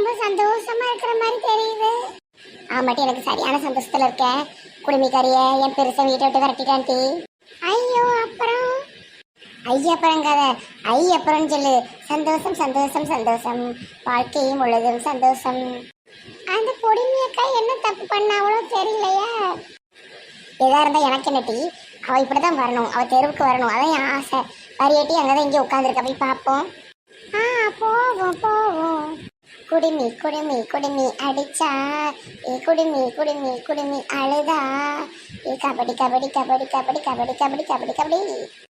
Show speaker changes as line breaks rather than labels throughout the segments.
ரொம்ப சந்தோஷமா இருக்கிற மாதிரி தெரியுது. ஆமாட்டி, எனக்கு சரியான சந்தோஷத்துல இருக்கேன். குடுமிக்காரிய என் பெருசை வீட்டை விட்டு விரட்டிட்டான்ட்டி. ஐயோ அப்புறம் ஐயப்புறங்காத ஐயப்புறம்னு சொல்லு. சந்தோஷம் சந்தோஷம் சந்தோஷம், வாழ்க்கையும் முழுதும் சந்தோஷம். அந்த பொடிமையக்கா என்ன தப்பு பண்ண அவ்வளோ தெரியலையா? எதா இருந்தா எனக்கு என்ன டீ, அவள் இப்படிதான் வரணும், அவள் தெருவுக்கு வரணும், அதான் என் ஆசை. வரையாட்டி அங்கதான் இங்கே உட்காந்துருக்க, போய் பார்ப்போம். போவோம் போவோம். குடுமி குடுமி குடுமி அடிச்சா, ஏ குடுமி குடுமி குடுமி அழுதா, ஏ கபடி கபடி கபடி கபடி கபடி கபடி கபடி கபடி.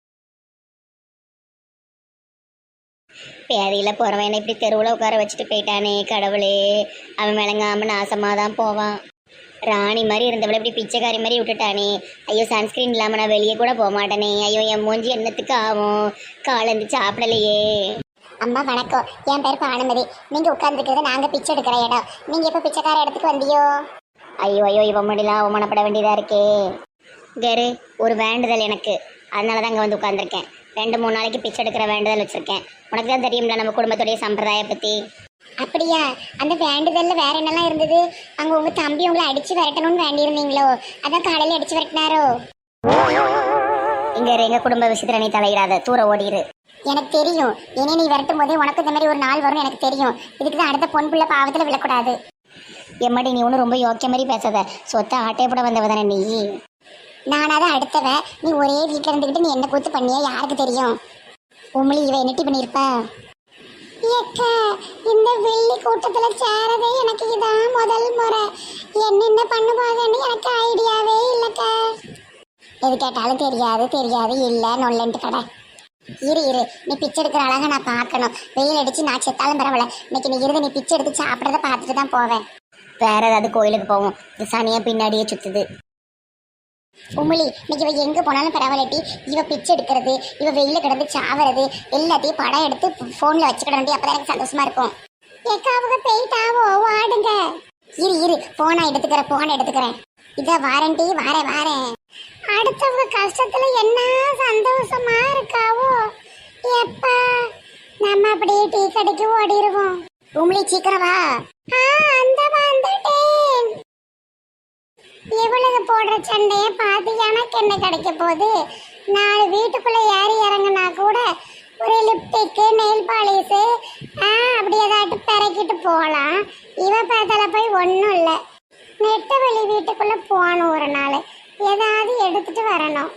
பேதியில் போகிறவன் இப்படி தெருவில் உட்கார வச்சுட்டு போயிட்டானே கடவுளே. அவன் விளங்காமல் நாசமாக தான் போவான். ராணி மாதிரி இருந்தவளை இப்படி பிச்சைக்காரி மாதிரி விட்டுட்டானே. ஐயோ, சன்ஸ்கிரீன் இல்லாமல் நான் வெளியே கூட போக மாட்டேனே. ஐயோ, என் மூஞ்சி என்னத்துக்கு ஆகும்? காலந்து சாப்பிடலையே. அம்மா வணக்கம், என் பேர் பானுமதி. நீங்கள் உட்காந்துருக்கிறது நாங்கள் பிச்சை எடுக்கிற இடம். நீங்கள் எப்போ பிச்சைக்கார இடத்துக்கு வந்தியோ? ஐயோ ஐயோ, இவன் முடியலாம் அவமானப்பட வேண்டியதாக இருக்கே. கரு, ஒரு வேண்டுதல் எனக்கு, அதனால தான் அங்கே வந்து உட்காந்துருக்கேன். 2-3 நாளைக்கு பிச்சை எடுக்கிற வேண்டுதல் வச்சுருக்கேன். உனக்கு தான் தெரியும்ல நம்ம குடும்பத்துடைய சம்பிரதாய பற்றி. அப்படியா? அந்த வேண்டுதல்ல வேற என்னெல்லாம் இருந்தது? அங்கே உங்கள் தம்பி உங்களை அடித்து விரட்டணும்னு வேண்டியிருந்தீங்களோ? அதான் காலையில் அடித்து விரட்டினாரோ? இங்கே எங்கள் குடும்ப விஷயத்தில் நீ தலையிடாத, தூர ஓடிடு. எனக்கு தெரியும், இனி நீ விரட்டும் போதே உனக்கு இந்த மாதிரி ஒரு நாள் வரும்னு எனக்கு தெரியும். இதுக்கு தான் அடுத்த பொன் பிள்ளை பாவத்தில் விழக்கூடாது. எம்மாடி, நீ ஒன்றும் ரொம்ப யோக்கிய மாதிரி பேசாத. சொத்தை ஆட்டையை போட வந்தவ தானே நீ. நானாதான் அடுத்தவ. நீ ஒரே வீட்டில் இருந்துக்கிட்டு நீ என்ன கூத்து பண்ணியா யாருக்கு தெரியும்? உம்மளி இவ என்னட்டி பண்ணியிருப்ப? இந்த வெள்ளி கூட்டத்தில் சேரதே எனக்கு இதான் முதல் முறை. என்னென்ன பண்ணுவாங்கன்னு எனக்கு ஐடியாவே இல்லைக்கா. எது கேட்டாலும் தெரியாது தெரியாது இல்லை நொல்லன்ட்டு கடை. இரு இரு, நீ பிச்சை எடுக்கிற அழகா நான் பார்க்கணும். வெயில் அடிச்சு நான் செத்தாலும் பரவாயில்ல. இன்னைக்கு நீ இருந்து நீ பிச்சை எடுத்து சாப்பிட்றத பார்த்துட்டு தான் போவேன். வேற ஏதாவது கோயிலுக்கு போவோம். இது சனியா பின்னாடியே சுத்துது. உமிழி, இன்னைக்கு இவ எங்கே போனாலும் பரவாயில்லட்டி. இவ பிச்சை எடுக்கிறது, இவ வெயில கிடந்து சாவறது எல்லாத்தையும் படம் எடுத்து ஃபோனில் வச்சுக்கிட. அப்போ எனக்கு சந்தோஷமா இருக்கும். எக்காவுக்கு போயிட்டாவோ, வாடுங்க. இரு இரு, போனை எடுத்துக்கிறேன். இதை வாரண்டி வாரேன். அடுத்தவங்க கஷ்டத்துல என்ன சந்தோஷமா இருக்காவோ. எப்ப நம்ம அப்படியே டீ கடைக்கு ஓடிடுவோம். உமிழி சீக்கிரம் வா. அந்த வந்துட்டேன். இவளுக்கு போடுற சண்டையை பார்த்து எனக்கு என்ன கிடைக்க போகுது? 4 வீட்டுக்குள்ள ஏறி இறங்கினா கூட ஒரு லிப்டிக்கு நெயில் பாலிஸு அப்படி ஏதாட்டு பிறக்கிட்டு போகலாம். இவ பேத்தால போய் ஒன்றும் இல்லை. நெட்டவெளி வீட்டுக்குள்ள போகணும், ஒரு நாள் ஏதாவது எடுத்துட்டு வரணும்.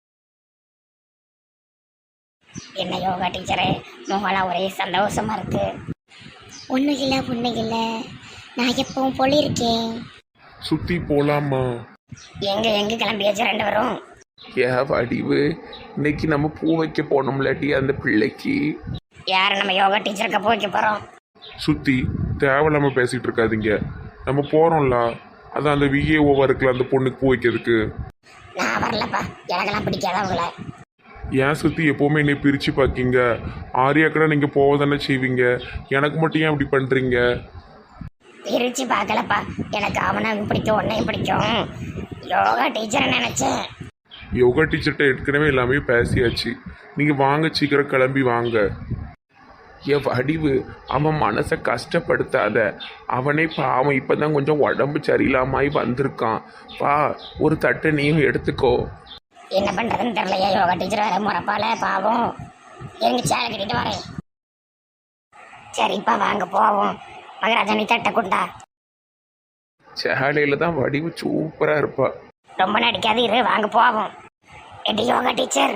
என்ன யோகா டீச்சரே, முகலாம் ஒரே சந்தோஷமா இருக்கு. ஒன்றும் இல்லை, நான் எப்பவும் போலிருக்கேன்.
சுத்தி போலாமா?
எங்க கிளம்பியாச்சு 2 பேரும்?
வடிவு, இன்னைக்கு நம்ம பூ வைக்க போனோம்லாட்டி அந்த பிள்ளைக்கு.
யார நம்ம யோகா டீச்சருக்கு பூ வைக்க போறோம்?
சுத்தி தேவையில்லாம பேசிட்டு இருக்காதீங்க. நம்ம போறோம்ல, அதான் அந்த விஏஓவா இருக்குல்ல அந்த பொண்ணுக்கு பூ வைக்கிறதுக்கு.
நான் வரலப்பா, எனக்கெல்லாம் பிடிக்காத அவங்கள.
ஏன் சுத்தி எப்பவுமே என்னை பிரிச்சு பாக்கீங்க? ஆரியாக்கடா நீங்க போவதானே செய்வீங்க, எனக்கு மட்டும் ஏன் அப்படி பண்றீங்க?
பிரிச்சு பார்க்கலப்பா, எனக்கு அவனையும் பிடிக்கும் உன்னையும் பிடிக்கும். யோகா டீச்சர் நினைச்சேன்.
யோகா டீச்சர்கிட்ட ஏற்கனவே எல்லாமே பேசியாச்சு. நீங்க வாங்க, சீக்கிரம் கிளம்பி வாங்க. வடிவு, அவன் மனசை கஷ்டப்படுத்தாத. அவனே பாவம் இப்பதான் கொஞ்சம் உடம்பு சரியில்லாமாய் வந்திருக்கான். வா, ஒரு தட்டை நீயும் எடுத்துக்கோ.
என்ன பண்றதுன்னு தெரியலையா யோகா டீச்சர் வேற முறப்பால பாவம். எங்க சேலை கட்டிட்டு வரேன். சரிப்பா வாங்க போவோம். மகராஜாணி தட்டை கொண்டா.
சேலையில தான் வடிவு சூப்பரா இருப்பா.
ரொம்ப நடிக்காது, இரு வாங்க போவோம். எடி யோகா டீச்சர்.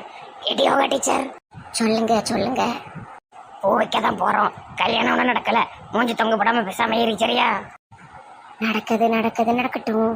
சொல்லுங்க. பூ வைக்க தான் போறோம். கல்யாணம் ஒன்றும் நடக்கல. மூஞ்சி தொங்க போடாம பேசாம ஏறி. சரியா? நடக்கட்டும்.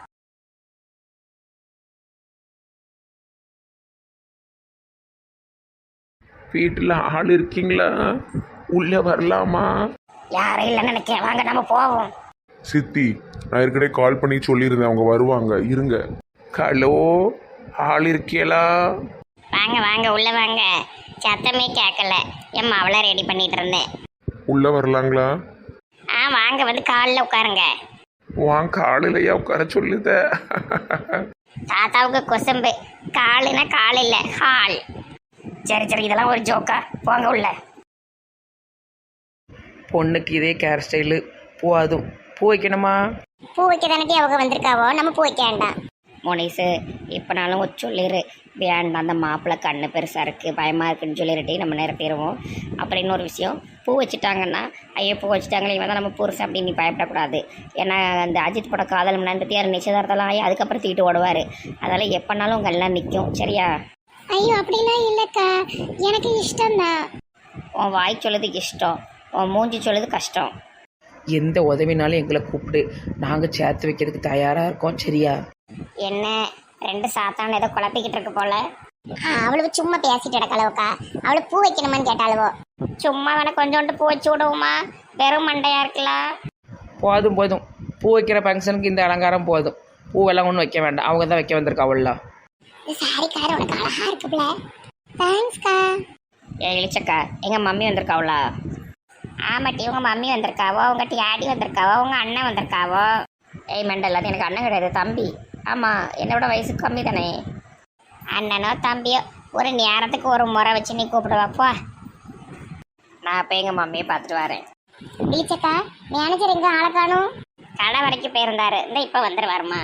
வீட்டுல ஆள் இருக்கீங்களா? உள்ள வரலாமா?
யாரும் இல்லைன்னு நினைக்கிறேன். வாங்க நம்ம போவோம்.
சித்தி, நான் ஏற்கனவே கால் பண்ணி சொல்லியிருந்தேன், அவங்க வருவாங்க, இருங்க. ஹலோ, ஆள் இருக்கீங்களா?
வாங்க உள்ள வாங்க. சத்தமே கேட்கல. என் மாவளை ரெடி பண்ணிட்டு இருந்தேன்.
உள்ள வரலாங்களா?
வாங்க, வந்து காலில் உட்காருங்க.
வாங்க, காலையிலையா உட்கார சொல்லுத?
தாத்தாவுக்கு கொசம்பு. காலுன்னா கால் இல்லை, ஹால். சரி, இதெல்லாம் ஒரு ஜோக்கா. போங்க உள்ள.
பொண்ணுக்கு இதே கேர் ஸ்டைலு போதும். பூ வைக்கணுமா?
பூ வைக்க தானே அவங்க வந்திருக்காவோ, நம்ம பூ வைக்க வேண்டாம்.
மோனிஸு இப்போனாலும் சொல்லிடு, வேண்டாம் அந்த மாப்பிள்ளை கண்ணு பெருசாக இருக்குது பயமாக இருக்குன்னு சொல்லிடுட்டி நம்ம நிரப்பிடுவோம். அப்புறம் இன்னொரு விஷயம், பூ வச்சுட்டாங்கன்னா ஐயோ பூ வச்சுட்டாங்களே இவன் தான் நம்ம புருஷன் அப்படின்னு நீ பயப்படக்கூடாது. ஏன்னா அந்த அஜித் பட காதல் நன்றி நிச்சயதார்த்தம்லாம் ஆகி அதுக்கப்புறம் தீட்டு ஓடுவார். அதனால் எப்போனாலும் உங்கள் எல்லாம் நிற்கும் சரியா?
ஐயோ அப்படிலாம் இல்லைக்கா, எனக்கு இஷ்டம்தான்.
உன் வாய் சொல்லுது இஷ்டம், உன் மூஞ்சி சொல்லுது கஷ்டம்.
எந்த உதவினாலும் எங்களை கூப்பிடு, நாங்கள் சேர்த்து வைக்கிறதுக்கு தயாராக இருக்கோம் சரியா?
என்ன 2 சாத்தான் ஏதோ குழப்பிக்கிட்டு இருக்கு போல. அவளுக்கு சும்மா பேசிட்டு கிடக்கலவுக்கா, அவளுக்கு பூ வைக்கணுமான்னு கேட்டாளுவோ. சும்மா வேணா கொஞ்சோண்டு பூ வச்சு விடுவோமா, வெறும் மண்டையா இருக்கலாம்.
போதும் போதும், பூ வைக்கிற ஃபங்க்ஷனுக்கு இந்த அலங்காரம் போதும். பூவெல்லாம் ஒன்றும் வைக்க வேண்டாம், அவங்க தான் வைக்க வந்திருக்கா அவள்லாம்.
சாரிக்கார உனக்கு அழகா இருக்குல்ல. தேங்க்ஸ்க்கா.
இழிச்சக்கா எங்கள் மம்மி வந்திருக்காவளா?
ஆமாட்டி, உங்க மம்மி வந்திருக்காவோ, உங்க டேடி வந்திருக்காவோ, உங்க அண்ணன் வந்திருக்காவோ.
ஏய் மெண்டல், அது எனக்கு அண்ணன் கிடையாது தம்பி. ஆமாம் என்னோட வயசு கம்மி தானே.
அண்ணனோ தம்பியோ ஒரு நேரத்துக்கு ஒரு முறை வச்சு நீ கூப்பிடுவாப்போ.
நான் இப்போ எங்கள் மம்மியை பார்த்துட்டு வரேன்.
இழிச்சக்கா, மேனேஜர் எங்க ஆளை காணும்? கடை வரைக்கும் போயிருந்தாரு, இந்த இப்போ வந்துருவாருமா.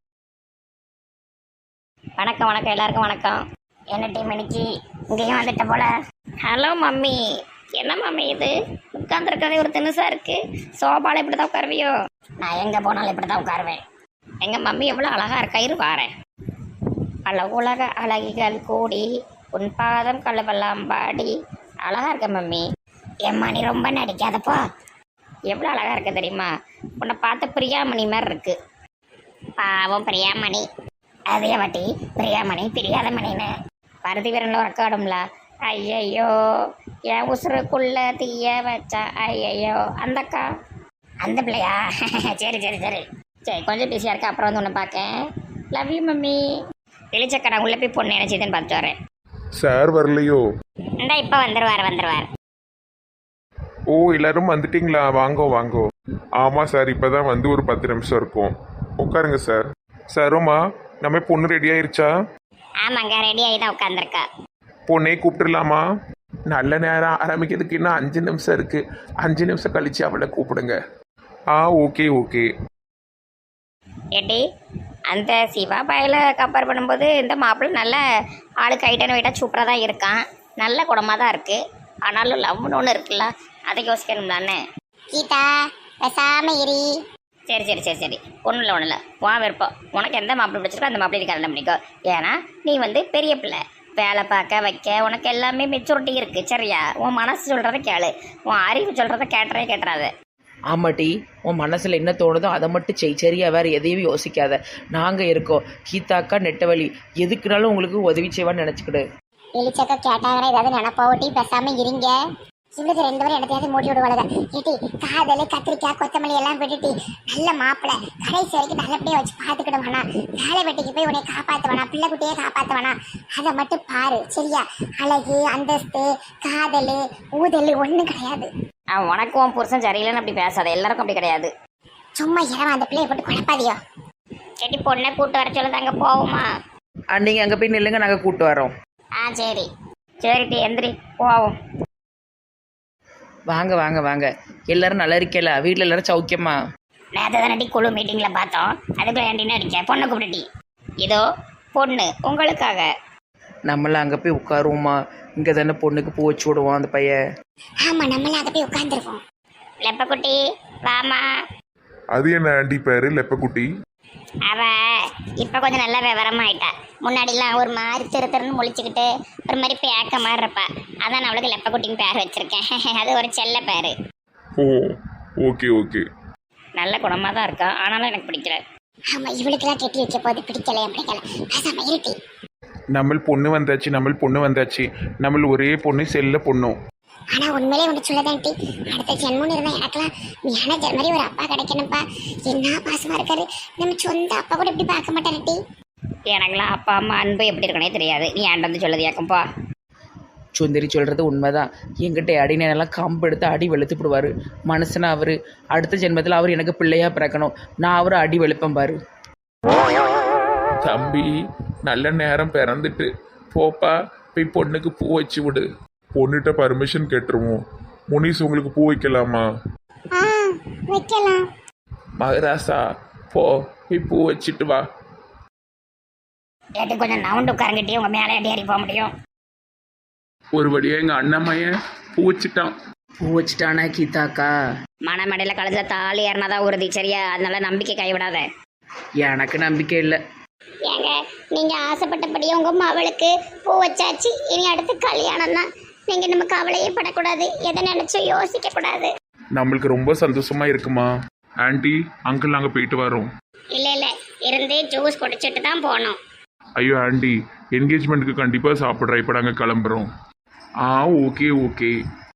வணக்கம் வணக்கம் எல்லாருக்கும் வணக்கம்.
என்ன டீம் இன்னைக்கு இங்கேயும் வந்துட்ட போல.
Hello mummy. என்ன மம்மி இது உட்காந்துருக்கதே ஒரு தினுசாக இருக்குது. சோபாவில் இப்படி தான் உட்காருவியோ?
நான் எங்க போனாலும் இப்படி தான் உட்காருவேன்.
எங்கள் மம்மி எவ்வளோ அழகாக இருக்கா, இரு வாரேன். பல உலக அழகிகள் கூடி உன் பாதம் கழுவெல்லாம் பாடி. அழகாக இருக்க மம்மி.
ஏம்மா நீ ரொம்ப நடிக்காதப்போ.
எவ்வளோ அழகாக இருக்க தெரியுமா? உன்னை பார்த்த பிரியாமணி மாதிரி இருக்கு.
பாவம் பிரியாமணி. அதே வாட்டி பிரியாமணி பிரியாத மணின்னு
பருதி வீரனில் உறக்காடும்ல. ஐயையோ என் உசுருக்குள்ள தீய வச்சா. ஐயையோ அந்தக்கா
அந்த பிள்ளையா? சரி சரி சரி
சரி கொஞ்சம் பிஸியாக இருக்கா, அப்புறம் வந்து உன்னை பார்க்கேன். Love you mummy. வெளிச்சக்கா நான் உள்ளே போய் பொண்ணு என்ன செய்யுதுன்னு பார்த்துட்டு வரேன்.
சார் வரலையோ?
இந்த இப்போ வந்துருவார்.
ஓ எல்லாரும் வந்துட்டீங்களா? வாங்கோ வாங்கோ. ஆமாம் சார், இப்போ தான் வந்து ஒரு 10 நிமிஷம் இருக்கும். உட்காருங்க சார். சரோமா, நம்ம பொண்ணு ரெடி ஆயிருச்சா?
ஆமாங்க, ரெடி ஆகி தான் உட்காந்துருக்கா.
பொண்ணே கூப்பிட்டுலாமா? நல்ல நேரம் ஆரம்பிக்கிறதுக்கு இன்னும் 5 நிமிஷம் இருக்கு. 5 நிமிஷம் கழிச்சு அவளை கூப்பிடுங்க. Okay okay.
ஏட்டி அந்த சிவா பாயில் கம்பேர் பண்ணும்போது இந்த மாப்பிள்ளை நல்ல ஆளுக்கு ஐட்டன் வெயிட்டாக சூப்பராக தான் இருக்கான். நல்ல குடமாக தான் இருக்குது. ஆனாலும் லவ்னு ஒன்று இருக்குல்ல, அதை யோசிக்கணும் தானே.
கீதா பேசாம இரி.
சரி சரி சரி சரி ஒன்றும் இல்லை வா விருப்பம். உனக்கு எந்த மாப்பிள்ளை பிடிச்சிருக்கோ அந்த மாப்பிள்ளை கல்யாணம் பண்ணிக்கோ. ஏன்னா நீ வந்து பெரிய பிள்ளை, வேலை பார்க்க வைக்க உனக்கு எல்லாமே மெச்சூரிட்டி இருக்குது சரியா? உன் மனசு சொல்கிறத கேளு, உன் அறிவு சொல்கிறத கேட்டுறாது.
ஆமாட்டி, உன் மனசில் என்ன தோணுதோ அதை மட்டும் செய் சரியா? வேறு எதையும் யோசிக்காத. நாங்கள் இருக்கோம். கீதாக்கா நெட்டவழி எதுக்குனாலும் உங்களுக்கு உதவி செய்வான்னு நினச்சிக்கிடு.
வெளிச்சக்கா கேட்டாங்கன்னா ஏதாவது நினைப்பாவட்டி, பேசாம இருங்க. இவளுக்கு 2 பேரும் இடத்தையாவது மூடி விடுவாளுங்க. ஏட்டி காதல் கத்திரிக்காய் கொத்தமல்லி எல்லாம் விட்டுட்டி நல்ல மாப்பிள்ளை கடைசி வரைக்கும் நல்லபடியா வச்சு பார்த்துக்கிடுவானா. வேலை வெட்டிக்கு போய் உன்னை காப்பாற்றுவானா, பிள்ளை குட்டியே காப்பாற்றுவானா, அதை மட்டும் பாரு சரியா? அழகு அந்தஸ்து காதல் ஊதல் ஒன்றும் கிடையாது.
உனக்கு உன் புருஷன் சரியில்லைன்னு அப்படி பேசாத, எல்லாருக்கும் அப்படி கிடையாது.
சும்மா இரவா அந்த பிள்ளைய போட்டு குழப்பாதியோ.
கேட்டி பொண்ணை கூட்டு வர சொல்லுது, அங்கே போவோமா?
நீங்கள் அங்கே போய் நில்லுங்க, நாங்கள் கூப்பிட்டு வரோம்.
சரி
சரிட்டி எந்திரி போவோம்.
வாங்க வாங்க வாங்க. எல்லாரும் நல்லா இருக்கல? வீட்டில் எல்லாரும் சௌக்கியமா?
நேற்று தானடி குழு மீட்டிங்கில் பார்த்தோம், அதுக்கு வேண்டின்னு அடிக்க பொண்ணை கூப்பிட்டுட்டி. இதோ பொண்ணு உங்களுக்காக.
நம்மளாம் அங்கே போய் உட்காருவோமா? இங்கே தானே பொண்ணுக்கு பூ வச்சு விடுவோம் அந்த பையன்.
ஆமா நம்மள அங்க போய் உட்கார்ந்துருவோம்.
லெப்பக்குட்டி வாமா.
அது என்ன ஆண்டி பேரு லெப்பக்குட்டி?
அவ இப்போ கொஞ்சம் நல்லா விவரமாயிட்டா. முன்னாடிலாம் ஒரு மாதிரி திருன்னு முழிச்சுக்கிட்டு ஒரு மாதிரி பேக்க மாதிரி இருப்பா. அதான் நான் அவளுக்கு லெப்பக்குட்டின்னு பேர் வச்சிருக்கேன். அது ஒரு செல்ல பேர்.
Oh okay okay.
நல்ல குணமாக தான் இருக்கா, ஆனாலும் எனக்கு பிடிக்கல.
ஆமா இவளுக்கெல்லாம் கெட்டி வைக்க போது பிடிக்கல பிடிக்கல. பேசாம இருட்டி.
நம்ம பொண்ணு வந்தாச்சு. நம்ம ஒரே பொண்ணு செல்ல பொண்ணும்.
ஆனா உண்மையிலே ஒன்று சொல்லதான்ட்டி, அடுத்த ஜென்மம் இருந்தா எனக்கெல்லாம் மேனேஜர் மாதிரி ஒரு அப்பா கிடைக்கணும்ப்பா. என்ன பாசமா இருக்காரு, நம்ம சொந்த அப்பா கூட இப்படி பார்க்க மாட்டாருட்டி.
எனக்குலாம் அப்பா அம்மா அன்பு எப்படி இருக்கனே தெரியாது. நீ ஏன்ட்டு வந்து சொல்லுது ஏக்கம்பா.
சுந்தரி சொல்கிறது உண்மைதான். எங்கிட்ட அடினெல்லாம் கம்பு எடுத்து அடி வெளுத்துப்பிடுவார். மனுஷனா அவர். அடுத்த ஜென்மத்தில் அவர் எனக்கு பிள்ளையாக பிறக்கணும். நான் அவர் அடி வெளுப்பேன் பாரு.
தம்பி நல்ல நேரம் பிறந்துட்டு போப்பா, போய் பொண்ணுக்கு பூ வச்சு விடு. பொண்ணுகிட்ட பர்மிஷன் கேட்டுருவோம். முனிஸ் உங்களுக்கு பூ வைக்கலாமா?
வைக்கலாம்.
மகராசா போ போய் பூ வச்சுட்டு வா.
ஏட்டி கொஞ்சம் நவுண்டு உட்காரங்கிட்டே உங்கள் மேலே ஏறி போக முடியும்.
ஒரு வழியாக எங்கள் அண்ணம்மையன் பூ வச்சுட்டான்.
பூ வச்சுட்டானா கீதாக்கா?
மணமடையில் கழுத்தில் தாலி ஏறினாதான் உறுதி, சரியா? அதனால நம்பிக்கை கைவிடாத.
எனக்கு நம்பிக்கை இல்லை.
ஏங்க நீங்க ஆசைப்பட்டபடியே உங்க மவளுக்கு பூ வச்சாச்சு. இனி அடுத்து கல்யாணம் தான். நீங்க நம்ம கவலையே படக்கூடாது, எதை நினைச்சும் யோசிக்க கூடாது.
நம்மளுக்கு ரொம்ப சந்தோஷமா இருக்குமா ஆண்டி அங்கிள் நாங்கள் போயிட்டு வரோம்.
இல்ல இருந்து ஜூஸ் குடிச்சிட்டு தான் போனோம்.
ஐயோ ஆண்டி என்கேஜ்மெண்ட்டுக்கு கண்டிப்பாக சாப்பிட்றேன். இப்போ நாங்கள் கிளம்புறோம். ஓகே